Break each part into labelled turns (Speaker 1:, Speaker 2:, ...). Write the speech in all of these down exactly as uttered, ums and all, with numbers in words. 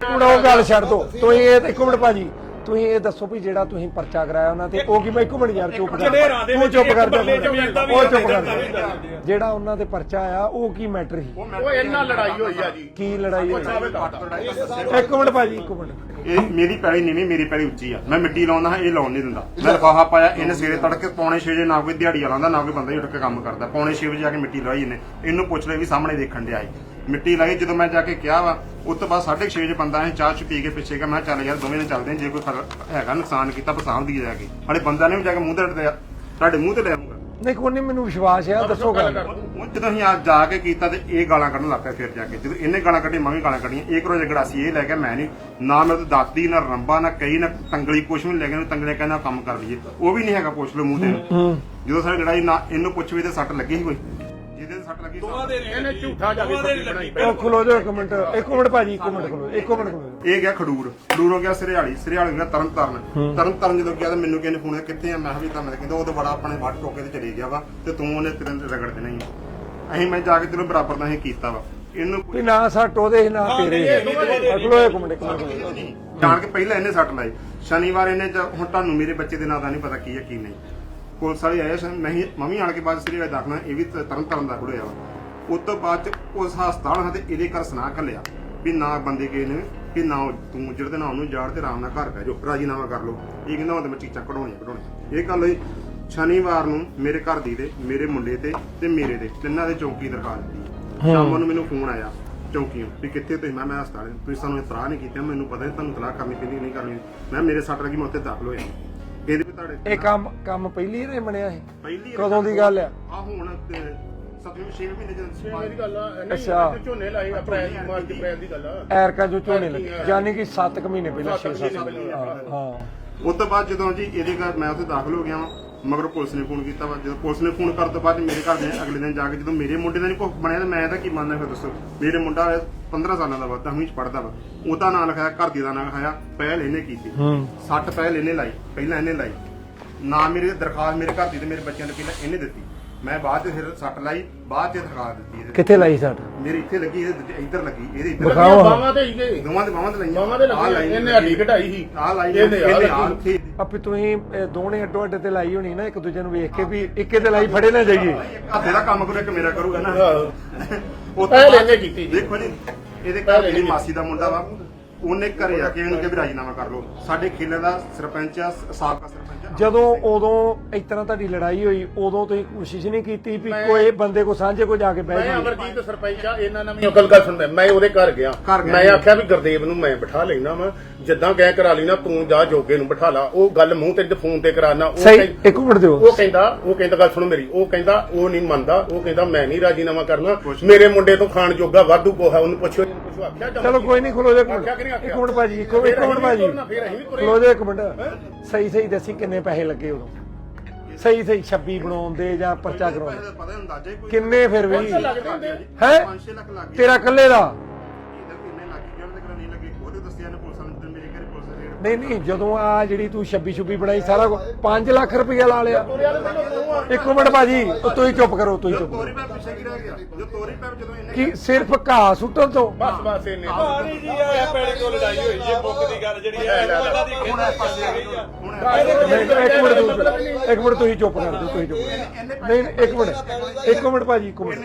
Speaker 1: ਉਹ ਗੱਲ ਛੱਡ ਦੋ ਤੁਸੀਂ ਇਹ ਇੱਕ ਮਿੰਟ ਭਾਜੀ ਤੁਸੀਂ ਇਹ ਦੱਸੋ ਵੀ ਜਿਹੜਾ ਤੁਸੀਂ ਪਰਚਾ ਕਰਾਇਆ ਉਹਨਾਂ ਤੇ ਉਹ ਕੀ ਮੈਂ ਇੱਕ ਮਿੰਟ ਯਾਰ ਚੁੱਪ ਕਰ ਤੂੰ ਚੁੱਪ ਕਰ ਉਹ ਚੁੱਪ ਕਰ ਜਿਹੜਾ ਉਹਨਾਂ ਤੇ ਪਰਚਾ ਆਇਆ ਉਹ ਕੀ ਮੈਟਰ ਸੀ
Speaker 2: ਉਹ ਇਹਨਾਂ ਲੜਾਈ ਹੋਈ ਆ ਜੀ
Speaker 1: ਕੀ ਲੜਾਈ ਹੋਈ ਇੱਕ ਮਿੰਟ ਭਾਜੀ ਇੱਕ ਮਿੰਟ
Speaker 3: ਇਹ ਮੇਰੀ ਪੈਲੀ ਨੀਵੀਂ ਮੇਰੀ ਪੈਲੀ ਉੱਚੀ ਆ ਮੈਂ ਮਿੱਟੀ ਲਾਉਂਦਾ ਹਾਂ ਇਹ ਲਾਉਣ ਨਹੀਂ ਦਿੰਦਾ ਮੈਂ ਲਿਫਾਫਾ ਪਾਇਆ ਇਹਨੇ ਸਵੇਰੇ ਤੜਕੇ ਪੌਣੇ ਛੇ ਵਜੇ ਨਾ ਕੋਈ ਦਿਹਾੜੀ ਲਾਉਂਦਾ ਨਾ ਕੋਈ ਬੰਦਾ ਹੀ ਉੱਠ ਕੇ ਕੰਮ ਕਰਦਾ ਪੌਣੇ ਛੇ ਵਜੇ ਜਾ ਕੇ ਮਿੱਟੀ ਲਾਈ ਇਹਨੇ ਇਹਨੂੰ ਪੁੱਛ ਲੈ ਵੀ ਸਾਹਮਣੇ ਦੇਖਣ ਡਿਆ ਮਿੱਟੀ ਲਾਈ ਜਦੋਂ ਮੈਂ ਜਾ ਕੇ ਕਿਹਾ ਵਾ ਉਸ ਤੋਂ ਬਾਅਦ ਸਾਢੇ ਛੇ ਵਜੇ ਬੰਦਾ ਇਹ ਚਾਹ ਚ ਪੀ ਕੇ ਪਿੱਛੇ ਗਿਆ ਮੈਂ ਚੱਲ ਯਾਰ ਦੋਵੇਂ ਨੇ ਚੱਲਦੇ ਜੇ ਕੋਈ ਹੈਗਾ ਨੁਕਸਾਨ ਕੀਤਾ ਪਸਾਹ ਦੀ ਜਾ ਕੇ ਹਲੇ ਬੰਦਾ ਨੇ ਵੀ ਜਾ ਕੇ ਮੂੰਹ ਤੇ ਤੁਹਾਡੇ ਮੂੰਹ ਤੇ ਲੈ ਆਉਂਗਾ
Speaker 1: ਨਹੀਂ ਕੋਈ ਨਹੀਂ ਮੈਨੂੰ ਵਿਸ਼ਵਾਸ ਆ ਦੱਸੋ ਗੱਲ
Speaker 3: ਜਦੋਂ ਅਸੀਂ ਅੱਜ ਜਾ ਕੇ ਕੀਤਾ ਤੇ ਇਹ ਗਾਲਾਂ ਕੱਢਣ ਲੱਗ ਪਿਆ ਫਿਰ ਜਾ ਕੇ ਜਦੋਂ ਇਹਨੇ ਗਾਲਾਂ ਕੱਢੀ ਮੈਂ ਵੀ ਗਾਲਾਂ ਕੱਢੀਆਂ ਇੱਕ ਰੋਜ਼ ਗੜਾਸੀ ਇਹ ਲੈ ਕੇ ਮੈਂ ਨਹੀਂ ਨਾ ਮੇਰੇ ਤੋਂ ਦਾਤੀ ਨਾ ਰੰਬਾ ਨਾ ਕਈ ਨਾ ਤੰਗਲੀ ਕੁਛ ਵੀ ਲੈ ਕੇ ਤੰਗਲੇ ਕਹਿੰਦਾ ਕੰਮ ਕਰ ਲਈਏ ਉਹ ਵੀ ਨਹੀਂ ਹੈਗਾ ਪੁੱਛ ਲਓ ਮੂੰਹ ਤੇ ਜਦੋਂ ਸਾਡੀ ਲੜਾਈ ਨਾ ਇਹਨੂੰ ਪੁੱਛ ਵੀ ਤੇ ਸੱਟ ਲੱਗੀ ਸੀ ਕੋਈ ਜਿਹਦੇ ਸੱਟ ਲੱਗੀ
Speaker 2: ਇਹਨੇ ਝੂਠਾ ਜਾ ਕੇ ਬਣਾਈ
Speaker 1: ਉਹ ਖਲੋ ਜਾਓ ਇੱਕ ਮਿੰਟ ਇੱਕ ਮਿੰਟ ਭਾਜੀ ਇੱਕ ਮਿੰਟ ਖਲੋ ਇੱਕ ਮਿੰਟ ਖਲੋ
Speaker 3: ਇਹ ਗਿਆ ਖਡੂਰ ਖਡੂਰ ਹੋ ਗਿਆ ਸਰਿਆਲੀ ਸਰਿਆਲੀ ਗਿਆ ਤਰਨ ਤਾਰਨ ਤਰਨ ਤਾਰਨ ਜਦੋਂ ਗਿਆ ਤਾਂ ਮੈਨੂੰ ਕਿਹਨੇ ਫੋਨ ਕਿੱਥੇ ਆ ਮੈਂ ਵੀ ਤਾਂ ਮੈਂ ਕਹਿੰਦਾ ਉਹ ਤਾਂ ਬੜਾ ਆਪਣੇ ਵੱਟ ਟੋਕੇ ਤੇ ਚਲੇ ਗਿਆ ਵਾ ਤੇ ਤੂੰ ਉਹਨੇ ਤੇਰੇ ਰਗੜ ਦੇਣਾ ਹੀ ਅਸੀਂ ਮੈਂ ਜਾ ਕੇ ਤੈਨੂੰ ਬਰਾਬਰ ਦਾ ਅਸੀਂ ਕੀਤਾ ਵਾ ਇਹਨੂੰ
Speaker 1: ਵੀ ਨਾ ਸੱਟ ਉਹਦੇ ਨਾ ਤੇਰੇ ਖਲੋ ਇੱਕ ਮਿੰਟ ਇੱਕ ਮਿੰਟ
Speaker 3: ਜਾਣ ਕੇ ਪਹਿਲਾਂ ਇਹਨੇ ਸੱਟ ਲਾਈ ਸ਼ਨੀਵਾਰ ਇਹਨੇ ਹੁਣ ਤੁਹਾਨੂੰ ਮੇਰੇ ਬੱਚੇ ਦੇ ਨਾਂ ਦਾ ਨਹੀਂ ਪਤਾ ਕੀ ਹੈ ਕੀ ਨਹੀਂ ਪੁਲਿਸ ਵਾਲੇ ਆਏ ਸਨ ਮੈਂ ਮੰਮੀ ਆਣ ਕੇ ਬਾਅਦ ਸਰੀਆ ਦਾਖਲਾ ਇਹ ਵੀ ਤਰਨ ਤਾਰਨ ਦਾ ਖੁੜਿਆ ਵਾ ਉਸ ਤੋਂ ਬਾਅਦ ਚ ਉਸ ਹਸਪਤਾਲ ਹਾਂ ਤੇ ਇਹਦੇ ਘਰ ਸੁਣਾ ਘੱਲਿਆ ਵੀ ਨਾ ਬੰਦੇ ਗਏ ਨੇ ਕਿ ਨਾ ਤੂੰ ਜਿਹੜੇ ਨਾਲ ਉਹਨੂੰ ਜਾੜ ਤੇ ਆਰਾਮ ਨਾਲ ਘਰ ਪੈ ਜਾਓ ਰਾਜੀਨਾਮਾ ਕਰ ਲਓ ਇਹ ਕਹਿੰਦਾ ਹੁਣ ਤੇ ਮੈਂ ਚੀਜ਼ਾਂ ਕਢਾਉਣੀਆਂ ਕਢਾਉਣੀਆਂ ਇਹ ਗੱਲ ਹੋਈ ਸ਼ਨੀਵਾਰ ਨੂੰ ਮੇਰੇ ਘਰ ਦੀ ਦੇ ਮੇਰੇ ਮੁੰਡੇ ਤੇ ਤੇ ਮੇਰੇ ਦੇ ਤਿੰਨਾਂ ਦੇ ਚੌਕੀ ਦਰਖਾਸਤ ਦਿੱਤੀ ਸ਼ਾਮ ਨੂੰ ਮੈਨੂੰ ਫੋਨ ਆਇਆ ਚੌਕੀਓਂ ਵੀ ਕਿੱਥੇ ਤੁਸੀਂ ਮੈਂ ਮੈਂ ਹਸਪਤਾਲ ਤੁਸੀਂ ਸਾਨੂੰ ਇਤਲਾਹ ਨਹੀਂ ਕੀਤੀ ਮੈਨੂੰ ਪਤਾ ਨਹੀਂ ਤੁਹਾਨੂੰ ਇਤਲਾਹ ਕਰਨੀ ਪੈਂਦੀ ਨਹੀਂ ਕਰਨੀ ਮੈਂ ਮੇਰੇ ਸੱਟ ਲੱਗੀ ਮੈਂ ਉੱਥੇ ਦਾਖਲ ਹੋਇਆ ਇਹਦੇ ਵੀ ਤੁਹਾਡੇ
Speaker 1: ਇਹ ਕੰਮ ਕੰਮ ਪਹਿਲੀ ਰੇ ਬਣਿਆ ਇਹ
Speaker 3: ਪਹਿਲੀ
Speaker 1: ਕਦੋਂ ਦੀ ਗੱਲ ਆ
Speaker 3: ਆ ਹੁਣ ਸੱਤਵੇਂ ਛੇਵੇਂ ਮਹੀਨੇ ਜਦੋਂ
Speaker 2: ਮੇਰੀ ਗੱਲ ਆ
Speaker 1: ਅੱਛਾ।
Speaker 2: ਝੋਨੇ ਲਾਏ ਅਪ੍ਰੈਲ ਮਾਰਚ ਅਪ੍ਰੈਲ ਦੀ ਗੱਲ ਆ
Speaker 1: ਐਰਕਾ ਜੋ ਝੋਨੇ ਲੱਗੇ ਯਾਨੀ ਕਿ ਸੱਤ ਕੁ ਮਹੀਨੇ ਪਹਿਲਾਂ ਛੇ ਸੱਤ ਹਾਂ
Speaker 3: ਉਸ ਤੋਂ ਬਾਅਦ ਜਦੋਂ ਜੀ ਇਹਦੇ ਘਰ ਮੈਂ ਉੱਥੇ ਦਾਖਲ ਹੋ ਗਿਆ ਵਾਂ ਮਗਰ ਪੁਲਿਸ ਨੇ ਫੋਨ ਕੀਤਾ ਵਾ ਜਦੋਂ ਪੁਲਿਸ ਨੇ ਫੋਨ ਕਰਨ ਤੋਂ ਬਾਅਦ ਮੇਰੇ ਘਰ ਦੇ ਅਗਲੇ ਦਿਨ ਜਾ ਕੇ ਜਦੋਂ ਮੇਰੇ ਮੁੰਡੇ ਦਾ ਨਹੀਂ ਭੁੱਖ ਬਣਿਆ ਤਾਂ ਮੈਂ ਇਹਦਾ ਕੀ ਮੰਨਦਾ ਫਿਰ ਦੱਸੋ ਮੇਰੇ ਮੁੰਡਾ ਪੰਦਰਾਂ ਸਾਲਾਂ ਦਾ ਵਾ ਦਸਵੀਂ ਚ ਪੜਦਾ ਵਾ ਉਹਦਾ ਨਾਂ ਲਿਖਾਇਆ ਘਰ ਦੀ ਦਾ ਨਾਂ ਲਿਖਾਇਆ ਪਹਿਲ ਇਹਨੇ ਕੀਤੀ ਸੱਟ ਪਹਿਲ ਇਹਨੇ ਲਾਈ ਪਹਿਲਾਂ ਇਹਨੇ ਲਾਈ ਨਾ ਮੇਰੀ ਦਰਖਾਸਤ ਮੇਰੇ ਘਰ ਦੀ ਤੇ ਮੇਰੇ ਬੱਚਿਆਂ ਨੇ ਪਹਿਲਾਂ ਇਹਨੇ ਦਿੱਤੀ ਮੈਂ ਬਾਅਦ ਚ ਫਿਰ ਸੱਟ ਲਾਈ ਬਾਅਦ ਚ ਦਰਖਾਸਤ ਦਿੱਤੀ ਇਹਦੇ
Speaker 1: ਕਿੱਥੇ ਲਾਈ ਸੱਟ
Speaker 3: ਮੇਰੀ ਇੱਥੇ ਲੱਗੀ ਇਹਦੇ ਇੱਧਰ ਲੱਗੀ ਇਹਦੇ ਇੱਧਰ
Speaker 1: ਦਿਖਾਓ
Speaker 2: ਬਾਵਾਂ ਤੇ ਹੀ ਗਏ
Speaker 3: ਦੋਵਾਂ ਦੇ ਬਾਹਾਂ ਤੇ ਲਾਈਆਂ
Speaker 2: ਬਾਵਾਂ ਤੇ ਲੱਗੀ ਇਹਨੇ ਹੱਡੀ ਘਟਾਈ ਸੀ
Speaker 3: ਆ ਲਾਈ
Speaker 2: ਇਹਨੇ ਆ
Speaker 3: ਇਹਨੇ
Speaker 2: ਲੱਗੀ।
Speaker 3: ਇੱਥੇ
Speaker 1: ਆਪੇ ਤੁਸੀਂ ਦੋਨੇ ਅੱਡੋ ਅੱਡ ਤੇ ਲਾਈ ਹੋਣੀ ਨਾ ਇੱਕ ਦੂਜੇ ਨੂੰ ਵੇਖ ਕੇ ਵੀ ਇੱਕੇ ਤੇ ਲਾਈ ਫੜੇ ਨਾ ਜਾਈਏ
Speaker 3: ਹੱਥੇ ਦਾ ਕੰਮ ਕਰੂ ਇੱਕ ਮੇਰਾ ਕਰੂਗਾ ਨਾ ਉਹ
Speaker 2: ਪਹਿਲ ਇਹਨੇ ਕੀਤੀ
Speaker 3: ਦੇਖੋ ਜੀ ਇਹਦੇ ਘਰ ਮੇਰੀ ਮਾਸੀ ਦਾ ਮੁੰਡਾ ਵਾ ਉਹਨੇ ਘਰੇ ਆ ਕੇ ਇਹਨੂੰ ਕਿ ਵੀ ਰਾਜੀਨਾਮਾ ਕਰ ਲਓ ਸਾਡੇ ਖੇਲੇ ਦਾ ਸਰਪੰਚ ਆ ਸਾਬਕਾ ਸਰਪੰਚ ਆ
Speaker 1: ਜਦੋਂ ਉਦੋਂ ਇਸ ਤਰ੍ਹਾਂ ਤੁਹਾਡੀ ਲੜਾਈ ਹੋਈ ਉਦੋਂ ਤੁਸੀਂ ਕੋਸ਼ਿਸ਼ ਨਹੀਂ ਕੀਤੀ ਵੀ ਕੋਈ ਬੰਦੇ ਕੋ ਸਾਂਝੇ ਕੋ ਜਾ ਕੇ ਬਹਿ
Speaker 2: ਮੈਂ
Speaker 1: ਜਾਈਏ
Speaker 2: ਅਮਰਜੀਤ ਸਰਪੰਚ ਆ ਇਹਨਾਂ ਨਾਲ ਵੀ ਅਕਲ ਗੱਲ ਸੁਣਦਾ ਮੈਂ ਉਹਦੇ ਘਰ ਗਿਆ ਮੈਂ ਆਖਿਆ ਵੀ ਗੁਰਦੇਵ ਨੂੰ ਮੈਂ ਬਿਠਾ ਲੈਣਾ ਵਾ ਜਿੱਦਾਂ ਕਹਿ ਕਰਾ ਲਈ ਨਾ ਤੂੰ ਜਾ ਜੋਗੇ ਨੂੰ ਬਿਠਾ ਲਾ ਉਹ ਗੱਲ ਮੂੰਹ ਤੇ ਫੋਨ ਤੇ ਕਰਾਣਾ ਉਹ
Speaker 1: ਸਹੀ ਇੱਕ ਮਿੰਟ ਦਿਓ
Speaker 2: ਉਹ ਕਹਿੰਦਾ ਉਹ ਕਹਿੰਦਾ ਗੱਲ ਸੁਣੋ ਮੇਰੀ ਉਹ ਕਹਿੰਦਾ ਉਹ ਨਹੀਂ ਮੰਨਦਾ ਉਹ ਕਹਿੰਦਾ ਮੈਂ ਨਹੀਂ ਰਾਜੀਨਾਮਾ ਕਰਨਾ ਮੇਰੇ ਮੁੰਡੇ ਤੋਂ ਖਾਣ ਜੋਗਾ ਵਾਧੂ ਕੋਹਾ ਉਹਨੂੰ ਪੁੱਛੋ ਇਹਨੂੰ ਪੁੱਛੋ ਆਖਿਆ
Speaker 1: ਚਲੋ ਕੋਈ ਨਹੀਂ ਖਲੋ ਜਾ ਇੱਕ ਮਿੰਟ ਭਾਜੀ ਇੱਕ ਮਿੰਟ ਭਾਜੀ ਖਲੋ ਜਾ ਇੱਕ ਮਿੰਟ ਸਹੀ ਸਹੀ ਦੱਸੀ ਕਿੰਨੇ ਪੈਸੇ ਲੱਗੇ ਉਦੋਂ ਸਹੀ ਸਹੀ ਛੱਬੀ ਬਣਾਉਣ ਦੇ ਜਾਂ ਪਰਚਾ ਕਰਾਉਣ
Speaker 3: ਪਤਾ ਅੰਦਾਜ਼ੇ ਕੋਈ
Speaker 1: ਕਿੰਨੇ ਫਿਰ ਵੀ ਹੈ
Speaker 3: ਪੰਜ ਛੇ ਲੱਖ ਲੱਗ ਗਏ
Speaker 1: ਤੇਰਾ ਇਕੱਲੇ ਦਾ
Speaker 3: ਕਿੰਨੇ ਲੱਗ ਗਏ ਉਹਨਾਂ ਦੇ ਨਹੀਂ ਲੱਗੇ ਉਹਦੇ ਦੱਸਿਆ ਨੇ ਪੁਲਿਸ ਨੇ ਮੇਰੇ ਘਰੇ ਪੁਲਿਸ ਨੇ
Speaker 1: ਨਹੀਂ ਨਹੀਂ ਜਦੋਂ ਆ ਜਿਹੜੀ ਤੂੰ ਛੱਬੀ ਛੁੱਬੀ ਬਣਾਈ ਸਾਰਾ ਪੰਜ ਲੱਖ ਰੁਪਇਆ ਲਾ ਲਿਆ ਇੱਕ ਮਿੰਟ ਭਾਜੀ ਤੁਸੀਂ ਚੁੱਪ ਕਰੋ ਤੁਸੀਂ ਚੁੱਪ
Speaker 3: ਤੋਰੀ ਪੈਪ ਪਿੱਛੇ ਕੀ ਰਹਿ ਗਿਆ ਜੋ ਤੋਰੀ ਪੈਪ ਜਦੋਂ ਇਹਨੇ
Speaker 1: ਕੀ ਸਿਰਫ ਘਾਹ ਸੁੱਟਣ ਤੋਂ
Speaker 2: ਬਸ ਬਸ ਇਹਨੇ
Speaker 4: ਪਾਣੀ ਜੀ ਆ ਪੈੜੇ ਤੋਂ ਲੜਾਈ ਹੋਈ ਜੀ ਬੁੱਕ ਦੀ ਗੱਲ ਜਿਹੜੀ ਹੈ ਇਹਨਾਂ ਦੀ
Speaker 3: ਹੁਣ ਇਸ ਪਾਸੇ ਆ ਗਈ ਆ ਹੁਣ
Speaker 1: ਇੱਕ ਮਿੰਟ ਤੁਸੀਂ- ਇੱਕ ਮਿੰਟ ਤੁਸੀਂ ਚੁੱਪ ਕਰ ਦਿਓ ਤੁਸੀਂ ਚੁੱਪ ਨਹੀਂ ਨਹੀਂ, ਇੱਕ ਮਿੰਟ ਇੱਕ ਮਿੰਟ ਭਾਜੀ ਇੱਕ ਮਿੰਟ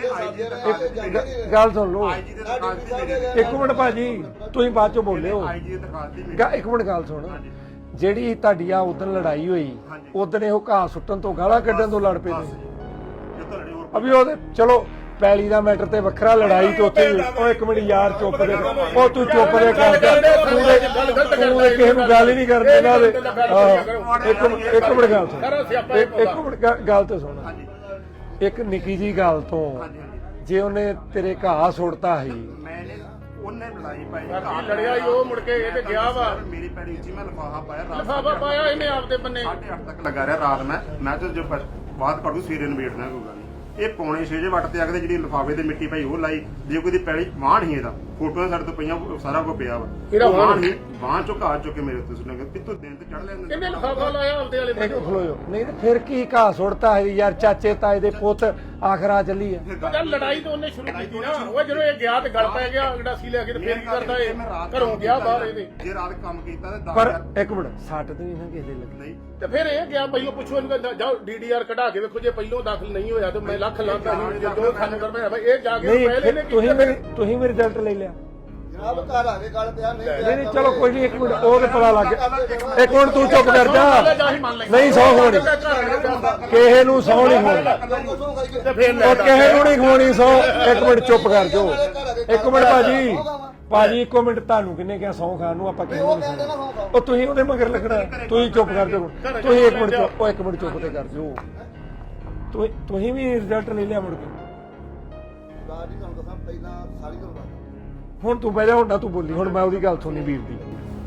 Speaker 1: ਇੱਕ ਗੱਲ ਸੁਣ ਲਓ
Speaker 3: ਆਈਜੀ ਦੇ ਦਰਖਾਸਤ ਦੀ ਮੇਰੀ
Speaker 1: ਇੱਕ ਮਿੰਟ ਭਾਜੀ ਤੁਸੀਂ ਬਾਅਦ ਚੋਂ ਬੋਲਿਓ
Speaker 3: ਆਈਜੀ ਦੀ ਦਰਖਾਸਤ ਦੀ ਮੇਰੀ
Speaker 1: ਗਾ- ਇੱਕ ਮਿੰਟ ਗੱਲ ਸੁਣ ਜਿਹੜੀ ਤੁਹਾਡੀ ਆ ਉਦੋਂ ਲੜਾਈ ਹੋਈ ਉਦੋਂ ਇਹ ਘਾਹ ਸੁੱਟਣ ਤੋਂ ਗਾਲਾਂ ਕੱਢਣ ਤੋਂ ਲੜ ਪਏ ਤੁਸੀਂ
Speaker 3: ਜਿੱਤੋਂ ਲੜੀ ਹੋਰ
Speaker 1: ਅਭੀ ਉਹਦੇ ਚਲੋ ਪੈਲੀ ਦਾ ਮੈਟਰ ਤੇ ਵੱਖਰਾ ਲੜਾਈ ਤੇ ਉੱਥੇ ਉਹ ਇੱਕ ਮਿੰਟ ਯਾਰ ਚੁੱਪ ਦੇ ਉਹ ਤੂੰ ਚੁੱਪ ਦੇ ਕਰ ਤੂੰ ਤੂੰ ਕਿਸੇ ਨੂੰ ਗੱਲ ਹੀ ਨਹੀਂ ਕਰਨੀ ਇਹਨਾਂ ਦੇ ਇੱਕ ਇੱਕ ਮਿੰਟ ਗੱਲ ਸੁਣ ਇੱਕ ਮਿੰਟ ਗੱਲ ਤੇ ਸੁਣ ਇੱਕ ਨਿੱਕੀ ਜੀ ਗੱਲ ਤੋਂ ਜੇ ਉਹਨੇ ਤੇਰੇ ਘਾਹ ਸੁੱਟਤਾ ਸੀ
Speaker 3: ਮੈਨੇ ਉਹਨੇ ਲੜਾਈ ਪਾਈ
Speaker 2: ਲੜਿਆ ਹੀ ਉਹ ਮੁੜ ਕੇ ਇਹ ਤੇ ਗਿਆ ਵਾ
Speaker 3: ਮੇਰੀ ਪੈੜੀ ਉੱਚੀ ਮੈਂ ਲਿਫਾਫਾ ਪਾਇਆ ਰਾਤ
Speaker 2: ਲਿਫਾਫਾ ਪਾਇਆ ਇਹਨੇ ਆਪਦੇ ਬੰਨੇ
Speaker 3: ਸਾਢੇ ਅੱਠ ਤੱਕ ਲੱਗਾ ਰਿਹਾ ਰਾਤ ਮੈਂ ਮੈਂ ਤਾਂ ਜੋ ਬਾਤ ਕੱਢੂ ਸਵੇਰੇ ਨਵੇੜਨਾ ਕੋਈ ਗੱਲ ਨਹੀਂ ਇਹ ਪੌਣੇ ਛੇ ਜੇ ਵੱਟ ਤੇ ਆ ਕੇ ਜਿਹੜੀ ਲਿਫਾਫੇ ਤੇ ਮਿੱਟੀ ਪਾਈ ਉਹ ਲਾਈ ਜੇ ਕੋਈ ਦੀ ਪੈੜੀ ਵਾਹਣ ਹੀ ਇਹਦਾ ਫੋਟੋਆਂ ਸਾਡੇ ਤੋਂ ਪਈਆਂ ਸਾਰਾ ਕੁਝ ਪਿਆ ਵਾ
Speaker 2: ਕਿਹੜਾ ਵਾਹਨ?
Speaker 3: ਵਾਹਨ ਹੀ ਵਾਹਨ ਚੋਂ ਘਾਹ ਚੁੱਕ ਕੇ ਮੇਰੇ ਉੱਤੇ ਸੁਣਾਂਗੇ ਕਿ ਤੂੰ ਦਿਨ ਤੇ ਚੜ ਲੈਂਦੇ
Speaker 2: ਕਿੰਨੇ ਲਿਫਾਫਾ ਲਾਇਆ ਆਪਦੇ ਵਾਲੇ
Speaker 1: ਇੱਕ ਖਲੋਇਓ ਨਹੀਂ ਤੇ ਫਿਰ ਕੀ ਘਾਹ ਸੁੱਟਤਾ ਹੈ ਯਾਰ ਚਾਚੇ ਤਾਏ ਦੇ ਪੁੱਤ ਆਖਰਾ ਚੱਲੀ ਆ
Speaker 2: ਚੱਲ ਲੜਾਈ ਤਾਂ ਉਹਨੇ ਸ਼ੁਰੂ ਕੀਤੀ ਨਾ ਉਹ ਜਦੋਂ ਇਹ ਗਿਆ ਤੇ ਗਲ ਪੈ ਗਿਆ ਗੜਾਸੀ ਲੈ ਕੇ ਤੇ ਫੇਰ ਕੀ ਕਰਦਾ ਇਹ ਘਰੋਂ ਗਿਆ ਬਾਹਰ ਇਹਦੇ
Speaker 3: ਜੇ ਰਾਤ ਕੰਮ ਕੀਤਾ ਤੇ ਦਸ
Speaker 1: ਪਰ
Speaker 3: ਹਜ਼ਾਰ
Speaker 1: ਇੱਕ ਮਿੰਟ ਸੱਟ ਤੇ ਨਹੀਂ ਨਾ ਕਿਸੇ ਦੇ ਲੱਗੀ
Speaker 3: ਨਹੀਂ
Speaker 2: ਤੇ ਫਿਰ ਇਹ ਗਿਆ ਪਹਿਲੋਂ ਪੁੱਛੋ ਇਹਨੂੰ ਕਹਿੰਦਾ ਜਾਓ ਡੀਡੀਆਰ ਕਢਾ ਕੇ ਵੇਖੋ ਜੇ ਪਹਿਲੋਂ ਦਾਖਲ ਨਹੀਂ ਹੋਇਆ ਤੇ ਮੈਂ ਲੱਖ ਲਾਂਦਾ ਸੀ ਜੋ ਸਾਨੂੰ ਕਰਨਾ ਹੈ ਇਹ ਜਾ ਕੇ
Speaker 1: ਨਹੀਂ
Speaker 2: ਪਹਿਲੇ
Speaker 1: ਫਿਰ
Speaker 2: ਨੇ
Speaker 1: ਤੁਸੀਂ ਮੇਰੀ ਤੁਸੀਂ ਮੇਰੀ ਰਿਜ਼ਲਟ ਲੈ ਲਿਆ
Speaker 5: ਜਨਾਬ ਘਰ ਆ ਕੇ ਗੱਲ ਪਿਆ ਨਹੀਂ
Speaker 1: ਨਹੀਂ ਨਹੀਂ ਚਲੋ ਕੋਈ ਨਹੀਂ ਇੱਕ ਮਿੰਟ ਉਹ ਤੇ ਪਤਾ ਲੱਗ ਗਿਆ ਇੱਕ ਮਿੰਟ ਤੂੰ ਚੁੱਪ ਕਰ ਜਾ ਨਹੀਂ ਸੌ ਹੋਣੀ ਕਿਸੇ ਨੂੰ ਸੌ ਨਹੀਂ ਹੋਣੀ
Speaker 2: ਤੇ ਫਿਰ
Speaker 1: ਉਹ ਕਿਸੇ ਨੂੰ ਨਹੀਂ ਖਵਾਉਣੀ ਸੌ ਇੱਕ ਮਿੰਟ ਚੁੱਪ ਕਰ ਜੋ ਇੱਕ ਮਿੰਟ ਭਾਜੀ ਭਾਜੀ ਇੱਕੋ ਮਿੰਟ ਤੁਹਾਨੂੰ ਕਿੰਨੇ ਕਿਹਾ ਸੌ ਖਾਣ ਨੂੰ ਆਪਾਂ ਕਿਹਨੂੰ ਨਹੀਂ ਖਾਣਾ ਉਹ ਤੁਸੀਂ ਉਹਦੇ ਮਗਰ ਲੱਗਣਾ ਤੁਸੀਂ ਚੁੱਪ ਕਰ ਜਾਓ ਤੁਸੀਂ ਇੱਕ ਮਿੰਟ ਚੁੱਪ ਉਹ ਇੱਕ ਮਿੰਟ ਚੁੱਪ ਤੇ ਕਰ ਜਾਓ ਤੁਸੀਂ ਤੁਸੀਂ ਵੀ ਰਿਜ਼ਲਟ ਲੈ ਲਿਆ ਮੁੜ ਕੇ
Speaker 5: ਰਾਜ ਜੀ ਤੁਹਾਨੂੰ ਦੱਸਾਂ ਪਹਿਲਾਂ ਸਾਰੀ ਗੱਲ ਦੱਸ
Speaker 1: ਹੁਣ ਤੂੰ ਬਹਿ ਜਾ ਹੁਣ ਨਾ ਤੂੰ ਬੋਲੀ ਹੁਣ ਮੈਂ ਉਹਦੀ ਗੱਲ ਸੁਣੀ ਵੀਰ ਦੀ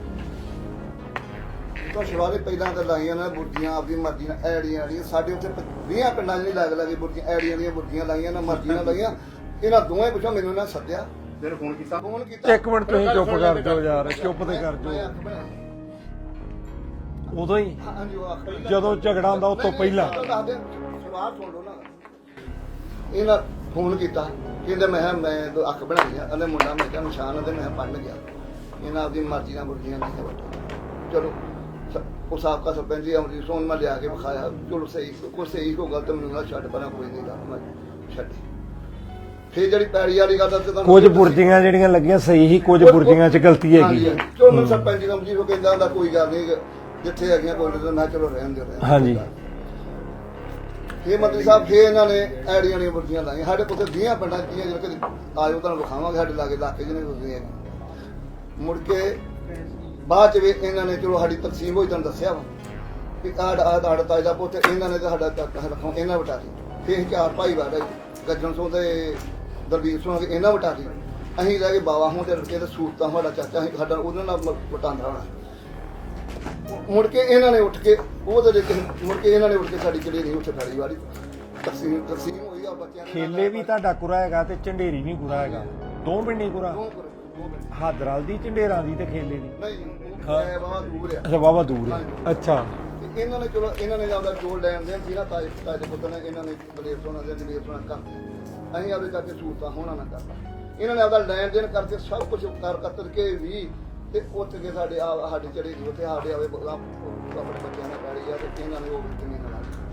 Speaker 5: ਤਾਂ ਸ਼ਿਵਾਲੇ ਪਹਿਲਾਂ ਤਾਂ ਲਾਈਆਂ ਨੇ ਬੁਰਜੀਆਂ ਆਪਦੀ ਮਰਜ਼ੀ ਨਾਲ ਐੜੀਆਂ ਐੜੀਆਂ ਸਾਡੇ ਉੱਥੇ ਵੀਹ ਪਿੰਡਾਂ 'ਚ ਨਹੀਂ ਲੱਗ ਲੱਗੇ ਬੁਰਜੀਆਂ ਐੜੀਆਂ ਦੀਆਂ ਬੁਰਜੀਆਂ ਲਾਈਆਂ ਨਾ ਮਰਜ਼ੀ ਨਾਲ ਲਾਈਆਂ ਇਹਨਾਂ ਦੋਵੇਂ ਪਿੱਛੋਂ ਮੈਨੂੰ ਇਹਨਾਂ ਸੱਦਿਆ
Speaker 3: ਫਿਰ ਫੋਨ ਕੀਤਾ
Speaker 5: ਫੋਨ ਕੀਤਾ
Speaker 1: ਇੱਕ ਮਿੰਟ ਤੁਸੀਂ ਚੁੱਪ ਕਰ ਜਾਓ ਯਾਰ ਚੁੱਪ ਤੇ ਕਰ
Speaker 5: ਮੈਂ
Speaker 1: ਜਾਓ
Speaker 5: ਅੱਖ ਬਣਾਈ।
Speaker 1: ਉਦੋਂ ਹੀ
Speaker 5: ਹਾਂਜੀ ਉਹ ਅੱਖ ਬਣਾਈ।
Speaker 1: ਜਦੋਂ ਝਗੜਾ ਹੁੰਦਾ ਉਸ ਤੋਂ ਪਹਿਲਾਂ
Speaker 5: ਦੱਸ ਦੇ ਸਵਾਲ ਸੁਣ ਲਓ ਨਾ ਇਹਨਾਂ ਫੋਨ ਕੀਤਾ ਕਹਿੰਦੇ ਮੈਂ ਕਿਹਾ ਮੈਂ ਦੋ ਅੱਖ ਬਣਾਈ ਆ ਉਹਨੇ ਮੁੰਡਾ ਮੈਂ ਕਿਹਾ ਨਿਸ਼ਾਨ ਤੇ ਮੈਂ ਪੜਨ ਗਿਆ ਇਹਨਾਂ ਆਪਦੀ ਮਰਜ਼ੀ ਨਾਲ ਬੁਰਜੀਆਂ ਨਹੀਂ ਬੈਠਾ ਚਲੋ ਸ- ਉਹ ਸਾਬਕਾ ਸਰਪੰਚ ਜੀ ਅਮਰੀਕ ਸੋਨ ਮੈਂ ਲਿਆ ਕੇ ਵਿਖਾਇਆ ਚਲੋ ਸਹੀ ਕੋਈ ਸਹੀ ਕੋ ਗਲਤ ਮੈਨੂੰ ਨਾ ਛੱਡ ਪਰਾਂ ਕੋਈ ਨਹੀਂ ਗੱਲ ਮੈਂ ਛੱਡੀ ਫੇਰ ਜਿਹੜੀ ਪੈੜੀ ਵਾਲੀ ਗੱਲ ਦੱਸ ਤੁਹਾਨੂੰ
Speaker 1: ਕੁਝ ਬੁਰਜੀਆਂ ਜਿਹੜੀਆਂ ਲੱਗੀਆਂ ਸਹੀ ਹੀ ਕੁਝ ਬੁਰਜੀਆਂ 'ਚ ਗਲਤੀ ਹੈਗੀ ਹੈ।
Speaker 5: ਚਲੋ ਮੈਂ ਸਰਪੰਚ ਜੀ ਅਮਰੀਕ ਨੂੰ ਕਹਿੰਦਾ ਹੁੰਦਾ ਕੋਈ ਗੱਲ ਨਹੀਂ ਜਿੱਥੇ ਹੈਗੀਆਂ ਕੋਈ ਨਹੀਂ ਮੈਂ ਚਲੋ ਰਹਿਣ ਦਿਓ ਰਹਿਣ ਦਿਓ।
Speaker 1: ਹਾਂਜੀ
Speaker 5: ਫੇਰ ਮੰਤਰੀ ਸਾਹਿਬ ਫੇਰ ਇਹਨਾਂ ਨੇ ਐੜੀਆਂ ਦੀਆਂ ਬੁਰਜੀਆਂ ਲਾਈਆਂ ਸਾਡੇ ਕੋਲ ਵੀਹ ਪਿੰਡਾਂ ਦੀਆਂ ਜਿਹੜੇ ਕਿ ਆਇਓ ਤੁਹਾਨੂੰ ਵਿਖਾਵਾਂਗੇ ਸਾਡੇ ਲਾਗੇ ਇਲਾਕੇ ਜਿਹਨੇ ਬੁਰਜੀਆਂ ਮੁੜ ਕੇ ਬਾਅਦ ਚ ਵੀ ਇਹਨਾਂ ਨੇ ਚਲੋ ਸਾਡੀ ਤਕਸੀਮ ਹੋਈ ਤੁਹਾਨੂੰ ਦੱਸਿਆ ਵਾ ਕਿ ਆੜ ਆੜ ਆੜ ਤਾਜ ਦਾ ਪੁੱਤ ਇਹਨਾਂ ਨੇ ਤਾਂ ਸਾਡਾ ਚਾਚਾ ਰੱਖੋ ਇਹਨਾਂ ਵਟਾ ਲਈ ਫੇਰ ਚਾਰ ਭਾਈ ਵਾੜਾ ਗੱਜਣ ਸੋਂ ਤੇ ਦਲਬੀਰ ਸਿੰਘ ਇਹਨਾਂ ਵਟਾ ਲਈ ਅਸੀਂ ਰਹਿ ਗਏ ਬਾਵਾ ਹੋਂ ਤੇ ਲੜਕੇ ਤੇ ਸੂਰਤਾਂ ਸਾਡਾ ਚਾਚਾ ਸੀ, ਸਾਡਾ ਉਹਨਾਂ ਨਾਲ ਵਟਾਂਦਰਾ ਹੋਣਾ ਮੁੜ ਕੇ ਇਹਨਾਂ ਨੇ ਉੱਠ ਕੇ ਉਹਦੇ ਦੇ ਮੁੜ ਕੇ ਇਹਨਾਂ ਨੇ ਉੱਠ ਕੇ ਸਾਡੀ ਜਿਹੜੀ ਨਹੀਂ ਉੱਥੇ ਫੜੀ ਵਾਲੀ ਤਕਸੀਮ ਤਕਸੀਮ ਹੋਈ ਆ ਬੱਚਿਆਂ ਦੇ
Speaker 1: ਖੇਲੇ ਵੀ ਤੁਹਾਡਾ ਕੁਰਾ ਹੈਗਾ ਤੇ ਝੰਡੇਰੀ ਵੀ ਕੁਰਾ ਹੈਗਾ ਦੋ ਪਿੰਡੀ ਕੁਰਾ
Speaker 5: ਦੋ ਕਰੋ, ਦੋ ਮਿੰਟ।
Speaker 1: ਹਾਦਰਾਲ ਦੀ ਝੰਡੇਰਾਂ ਦੀ ਤੇ ਖੇਲੇ ਦੀ
Speaker 5: ਨਹੀਂ ਮੈਂ ਬਾਬਾ ਦੂਰ ਆ
Speaker 1: ਅੱਛਾ ਵਾਵਾ ਦੂਰ ਹੈ ਅੱਛਾ
Speaker 5: ਤੇ ਇਹਨਾਂ ਨੇ ਚਲੋ ਇਹਨਾਂ ਨੇ ਆਪਦਾ ਜੋੜ ਲੈਣ ਦੇ ਸੀ ਨਾ ਤਾਜ ਤਾਜ ਦੇ ਪੁੱਤ ਨੇ ਇਹਨਾਂ ਨੇ ਬਲੇਰ ਸੋਨਾ ਦੇ ਬਲੇਰ ਸੋਨਾ ਕਰ ਅਸੀਂ ਆਪਦੇ ਕਰਕੇ ਸੂਰਤਾਂ ਹੋਣਾ ਨਾ ਕਰਦਾ ਇਹਨਾਂ ਨੇ ਆਪਦਾ ਲੈਣ ਦੇਣ ਕਰਕੇ ਸਭ ਕੁਝ ਕਰ ਕਤਰ ਕੇ ਵੀ ਤੇ ਉੱਥੇ ਕੇ ਸਾਡੇ ਆ ਸਾਡੇ ਚੜੇ ਦੀ ਉੱਥੇ ਸਾਡੇ ਆਵੇ ਆਪਣੇ ਬੱਚਿਆਂ ਨਾਲ ਗਾੜੀ ਆ ਤੇ ਇਹਨਾਂ ਨੇ ਉਹ ਵੀ ਜ਼ਮੀਨ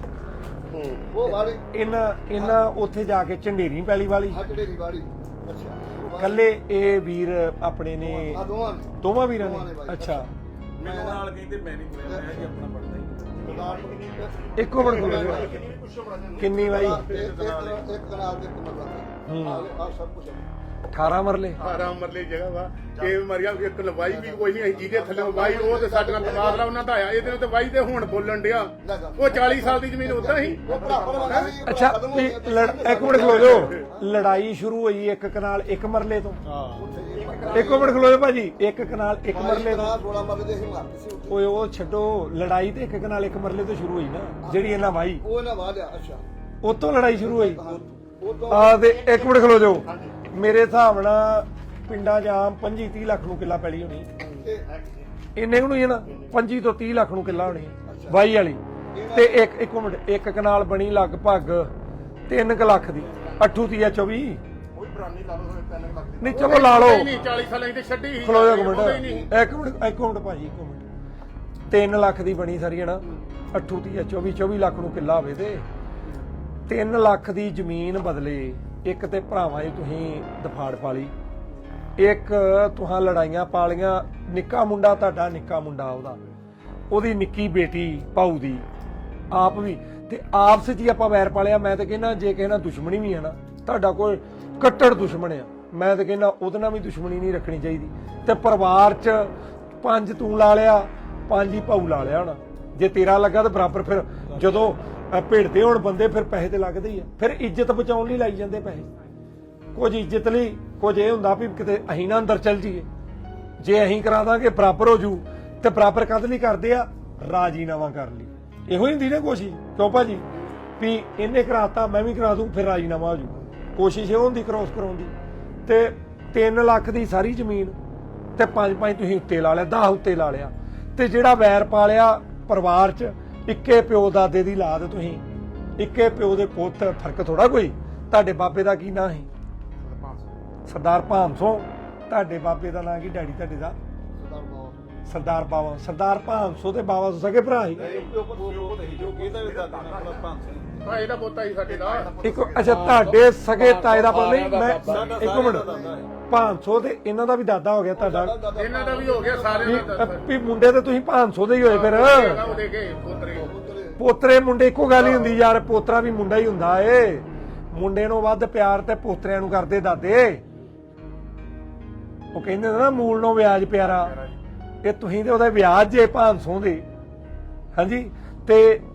Speaker 5: ਨਾਲ ਉਹ ਵਾਲੀ
Speaker 1: ਇਹਨਾਂ ਇਹਨਾਂ ਉੱਥੇ ਜਾ ਕੇ ਝੰਡੇਰੀ ਪੈਲੀ ਵਾਲੀ
Speaker 5: ਹਾਂ ਜਿਹੜੇ ਦੀ ਵਾਲੀ ਅੱਛਾ ਉਹ ਵਾਲੀ-
Speaker 1: ਕੱਲੇ ਇਹ ਵੀਰ ਆਪਣੇ ਨੇ
Speaker 5: ਆ ਦੋਵਾਂ ਨੇ
Speaker 1: ਦੋਵਾਂ ਵੀਰਾਂ
Speaker 5: ਦੋਵਾਂ ਨੇ
Speaker 1: ਨੇ
Speaker 5: ਬਾਈ।
Speaker 1: ਅੱਛਾ
Speaker 5: ਮੈਂ
Speaker 4: ਨਾਲ ਕਹਿੰਦੇ ਮੈਂ ਨਹੀਂ ਬੋਲਿਆ ਮੈਂ ਜੀ ਆਪਣਾ ਪੜਦਾ ਹੀ ਨਹੀਂ।
Speaker 1: ਇੱਕੋ ਮਿੰਟ ਖੜੋ ਕਿੰਨੀ ਵਾਰੀ
Speaker 5: ਇੱਕ ਇੱਕ ਕਨਾਲ ਦੇ ਕਮਰਾ ਆ ਆ ਸਭ ਕੁਝ
Speaker 1: ਅਠਾਰਾਂ ਮਰਲੇ
Speaker 2: ਆਰਾਮ ਮਰਲੇ ਜਗ੍ਹਾ ਵਾ ਇਹ ਮਰਿਆ ਇੱਕ ਲਵਾਈ ਵੀ ਕੋਈ ਨਹੀਂ ਅਸੀਂ ਜਿਹਦੇ ਥੱਲੇ ਵਾਈ ਉਹ ਤੇ ਸਾਡੇ ਨਾਲ ਤਬਾਦਲਾ ਉਹਨਾਂ ਦਾ ਆਇਆ ਇਹਦੇ ਨਾਲ ਤੇ ਵਾਈ ਤੇ ਹੁਣ ਬੋਲਣ ਡਿਆ ਉਹ ਚਾਲੀ ਸਾਲ ਦੀ ਜ਼ਮੀਨ ਉਦਾਂ ਹੀ
Speaker 5: ਉਹ ਭਰਾ ਭਰਾ ਸੀ
Speaker 1: ਅੱਛਾ ਵੀ ਲੜ- ਇੱਕ ਮਿੰਟ ਖਲੋ ਜਾਓ ਲੜਾਈ ਸ਼ੁਰੂ ਹੋਈ ਇੱਕ ਕਨਾਲ ਇੱਕ ਮਰਲੇ ਤੋਂ ਇੱਕੋ ਮਿੰਟ ਖਲੋ ਜਾਓ ਭਾਜੀ ਇੱਕ ਕਨਾਲ ਇੱਕ ਮਰਲੇ ਤੋਂ
Speaker 5: ਸੋਲਾਂ ਮਰਲੇ ਦੇ ਅਸੀਂ ਮਾਰਦੇ ਸੀ ਉੱਥੇ
Speaker 1: ਓਏ ਉਹ ਛੱਡੋ ਲੜਾਈ ਤੇ ਇੱਕ ਕਨਾਲ ਇੱਕ ਮਰਲੇ ਤੋਂ ਸ਼ੁਰੂ ਹੋਈ ਨਾ ਜਿਹੜੀ ਇਹਨਾਂ ਵਾਈ
Speaker 5: ਉਹ ਇਹਨਾਂ ਵਾਹ ਲਿਆ ਅੱਛਾ
Speaker 1: ਉਤੋਂ ਲੜਾਈ ਸ਼ੁਰੂ ਹੋਈ
Speaker 5: ਉਹ ਤੋਂ
Speaker 1: ਆ ਤੇ ਇੱਕ ਮਿੰਟ ਖਲੋ ਜਾਓ ਮੇਰੇ ਹਿਸਾਬ ਨਾਲ ਪਿੰਡਾਂ 'ਚ ਆਮ ਪੱਚੀ ਤੀਹ ਲੱਖ ਨੂੰ ਕਿੱਲਾ ਪੈਲੀ ਹੋਣੀ
Speaker 5: ਤੇ
Speaker 1: ਇੰਨੇ ਨੂੰ ਹੀ ਹੈ ਨਾ ਪੱਚੀ ਤੋਂ ਤੀਹ ਲੱਖ ਨੂੰ ਕਿੱਲਾ ਹੋਣੀ ਹੈ ਵਾਈ ਵਾਲੀ ਤੇ ਇੱਕ ਇੱਕ ਮਿੰਟ ਇੱਕ ਕਨਾਲ ਬਣੀ ਲਗਭਗ ਤਿੰਨ ਕੁ ਲੱਖ ਦੀ ਅੱਠੂ ਤੀਆ ਚੌਵੀ
Speaker 3: ਕੋਈ ਬਰਾਨੀ ਲਾ ਲਓ ਤਿੰਨ ਲੱਖ ਦੀ
Speaker 1: ਨਹੀਂ ਚਲੋ ਲਾ ਲਓ
Speaker 2: ਨਹੀਂ ਚਾਲੀ ਸਾਲਾਂ ਦੀ ਛੱਡੀ ਸੀ
Speaker 1: ਖਲੋ ਜਾ ਇੱਕ
Speaker 2: ਉਹਦਾ ਹੀ ਨਹੀਂ।
Speaker 1: ਮਿੰਟ ਇੱਕ ਮਿੰਟ ਇੱਕ ਮਿੰਟ ਭਾਜੀ ਇੱਕ ਮਿੰਟ ਤਿੰਨ ਲੱਖ ਦੀ ਬਣੀ ਸਾਰੀ ਹੈ ਨਾ ਅੱਠੂ ਤੀਆ ਚੌਵੀ ਚੌਵੀ ਲੱਖ ਨੂੰ ਕਿੱਲਾ ਹੋਵੇ ਤੇ ਤਿੰਨ ਲੱਖ ਦੀ ਜ਼ਮੀਨ ਬਦਲੇ ਇੱਕ ਤੇ ਭਰਾਵਾਂ 'ਚ ਤੁਸੀਂ ਦਫਾੜ ਪਾ ਲਈ ਇੱਕ ਤੁਹਾਂ ਲੜਾਈਆਂ ਪਾਲੀਆਂ ਨਿੱਕਾ ਮੁੰਡਾ ਤੁਹਾਡਾ ਨਿੱਕਾ ਮੁੰਡਾ ਉਹਦਾ ਉਹਦੀ ਨਿੱਕੀ ਬੇਟੀ ਭਾਊ ਦੀ ਆਪ ਵੀ ਤੇ ਆਪਸ 'ਚ ਹੀ ਆਪਾਂ ਵੈਰ ਪਾਲਿਆ ਮੈਂ ਤਾਂ ਕਹਿੰਦਾ ਜੇ ਕਿਸੇ ਨਾਲ ਦੁਸ਼ਮਣੀ ਵੀ ਹੈ ਨਾ ਤੁਹਾਡਾ ਕੋਈ ਕੱਟੜ ਦੁਸ਼ਮਣ ਆ ਮੈਂ ਤਾਂ ਕਹਿੰਦਾ ਉਹਦੇ ਨਾਲ ਵੀ ਦੁਸ਼ਮਣੀ ਨਹੀਂ ਰੱਖਣੀ ਚਾਹੀਦੀ ਤੇ ਪਰਿਵਾਰ 'ਚ ਪੰਜ ਤੂੰ ਲਾ ਲਿਆ ਪੰਜ ਹੀ ਭਾਊ ਲਾ ਲਿਆ ਹੋਣਾ ਜੇ ਤੇਰਾ ਲੱਗਾ ਤਾਂ ਬਰਾਬਰ ਫਿਰ ਜਦੋਂ ਅਹ ਭਿੜਦੇ ਹੋਣ ਬੰਦੇ ਫਿਰ ਪੈਸੇ ਤੇ ਲੱਗਦੇ ਹੀ ਆ ਫਿਰ ਇੱਜ਼ਤ ਬਚਾਉਣ ਲਈ ਲਾਈ ਜਾਂਦੇ ਪੈਸੇ ਕੁਝ ਇੱਜ਼ਤ ਲਈ ਕੁਝ ਇਹ ਹੁੰਦਾ ਵੀ ਕਿਤੇ ਅਸੀਂ ਨਾ ਅੰਦਰ ਚੱਲ ਜਾਈਏ ਜੇ ਅਸੀਂ ਕਰਾ ਦਾਂਗੇ ਬਰਾਬਰ ਹੋ ਜੂ ਤੇ ਬਰਾਬਰ ਕਦ ਲਈ ਕਰਦੇ ਆ ਰਾਜੀਨਾਮਾ ਕਰ ਲਈ ਇਹੋ ਹੀ ਹੁੰਦੀ ਨਾ ਕੋਸ਼ਿਸ਼ ਕਿਉਂ ਭਾਜੀ ਵੀ ਇਹਨੇ ਕਰਾਤਾ ਮੈਂ ਵੀ ਕਰਾ ਦੂੰ ਫਿਰ ਰਾਜੀਨਾਮਾ ਹੋ ਜੂ ਕੋਸ਼ਿਸ਼ ਇਹ ਹੁੰਦੀ ਕ੍ਰੋਸ ਕਰਾਉਣ ਦੀ ਤੇ ਤਿੰਨ ਲੱਖ ਦੀ ਸਾਰੀ ਜ਼ਮੀਨ ਤੇ ਪੰਜ ਪੰਜ ਤੁਸੀਂ ਉੱਤੇ ਲਾ ਲਿਆ, ਦਸ ਉੱਤੇ ਲਾ ਲਿਆ, ਤੇ ਜਿਹੜਾ ਵੈਰ ਪਾਲਿਆ ਪਰਿਵਾਰ 'ਚ ਇੱਕੇ ਪਿਓ ਦਾਦੇ ਦੀ ਲਾਦ ਤੁਸੀਂ, ਇੱਕੇ ਪਿਓ ਦੇ ਪੁੱਤ, ਫਰਕ ਥੋੜਾ ਕੋਈ। ਤੁਹਾਡੇ ਬਾਬੇ ਦਾ ਕੀ ਨਾਂ ਸੀ? ਸਰਦਾਰ ਭਾਮ ਸਿੰਘ। ਤੁਹਾਡੇ ਬਾਬੇ ਦਾ ਨਾਂ ਕੀ? ਡੈਡੀ ਤੁਹਾਡੇ ਦਾ? ਸਰਦਾਰ ਬਾਵਾ। ਸਰਦਾਰ ਭਾਮ ਸਿੰਘ ਤੇ ਬਾਵਾ ਸਕੇ ਭਰਾ ਸੀ।
Speaker 2: ਭਾਈ ਦਾ ਪੋਤਾ ਹੀ ਸਾਡੇ ਦਾ
Speaker 1: ਇੱਕ ਅੱਛਾ ਤੁਹਾਡੇ ਸਗੇ ਤਾਏ ਦਾ ਪਤਾ ਨਹੀਂ। ਮੈਂ ਇੱਕ ਮਿੰਟ, ਭਾਮ ਸਿੰਘ ਤੇ ਇਹਨਾਂ ਦਾ ਵੀ ਦਾਦਾ ਹੋ ਗਿਆ ਤੁਹਾਡਾ?
Speaker 2: ਇਹਨਾਂ ਦਾ ਵੀ ਹੋ ਗਿਆ ਸਾਰਿਆਂ ਦਾ।
Speaker 1: ਵੀ ਮੁੰਡੇ ਤੇ ਤੁਸੀਂ ਭਾਮ ਸਿੰਘ ਦੇ ਹੀ ਹੋਏ ਫਿਰ।
Speaker 2: ਉਹਦੇ ਕੇ ਪੋਤਰੇ
Speaker 1: ਪੋਤਰੇ ਮੁੰਡੇ ਇੱਕੋ ਗੱਲ ਹੀ ਹੁੰਦੀ ਯਾਰ, ਪੋਤਰਾ ਵੀ ਮੁੰਡਾ ਹੀ ਹੁੰਦਾ ਏ। ਮੁੰਡੇ ਨੂੰ ਵੱਧ ਪਿਆਰ ਤੇ ਪੋਤਰਿਆਂ ਨੂੰ ਕਰਦੇ ਦਾਦੇ। ਉਹ ਕਹਿੰਦੇ ਨਾ ਮੂਲ ਨੂੰ ਵਿਆਜ ਪਿਆਰਾ, ਇਹ ਤੁਸੀਂ ਤੇ ਉਹਦਾ ਵਿਆਜ ਜੇ ਭਾਮ ਸਿੰਘ ਦੇ। ਹਾਂਜੀ, ਤੇ